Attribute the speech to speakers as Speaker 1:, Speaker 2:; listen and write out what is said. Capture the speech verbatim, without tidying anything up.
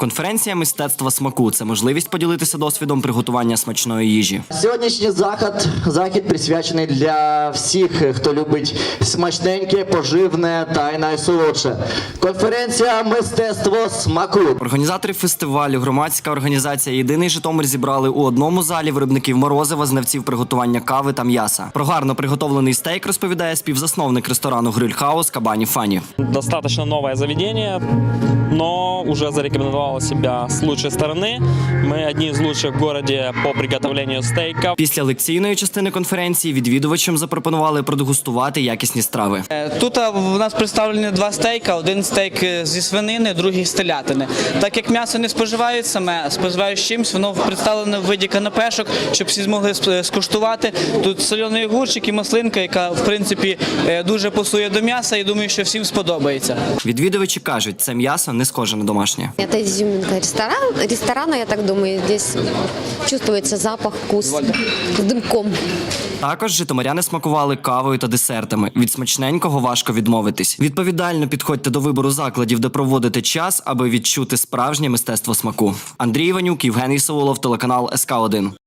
Speaker 1: Конференція «Мистецтво смаку» – це можливість поділитися досвідом приготування смачної їжі.
Speaker 2: Сьогоднішній захід, захід присвячений для всіх, хто любить смачненьке, поживне та й найсолодше. Конференція «Мистецтво смаку».
Speaker 1: Організатори фестивалю, громадська організація «Єдиний Житомир» зібрали у одному залі виробників морозива, знавців приготування кави та м'яса. Про гарно приготовлений стейк розповідає співзасновник ресторану «Гриль-хаус» Кабані Фані.
Speaker 3: Достаточно новое заведение, но уже зарекомендовало себя с лучшей стороны. Мы одни из лучших в городе по приготовлению стейков.
Speaker 1: Після лекційної частини конференції відвідувачам запропонували продегустувати якісні страви.
Speaker 4: Тут у нас представлені два стейка. Один стейк зі свинини, другий з телятини. Так як м'ясо не споживають саме, споживають з чимось, воно представлене в виді канапешок, щоб всі змогли скуштувати. Тут соляний огурчик і маслинка, яка, в принципі, дуже пасує до м'яса, і думаю, що всім сподобається.
Speaker 1: Відвідувачі кажуть, це м'ясо не схоже на домашнє.
Speaker 5: Это изюминка ресторан, ресторана, я так думаю, здесь чувствуется запах, вкус с дымком.
Speaker 1: Також житомиряни смакували кавою та десертами. Від смачненького важко відмовитись. Відповідально підходьте до вибору закладів, де проводите час, аби відчути справжнє мистецтво смаку. Андрій Іванюк, Євгеній Саулов, телеканал ес ка один.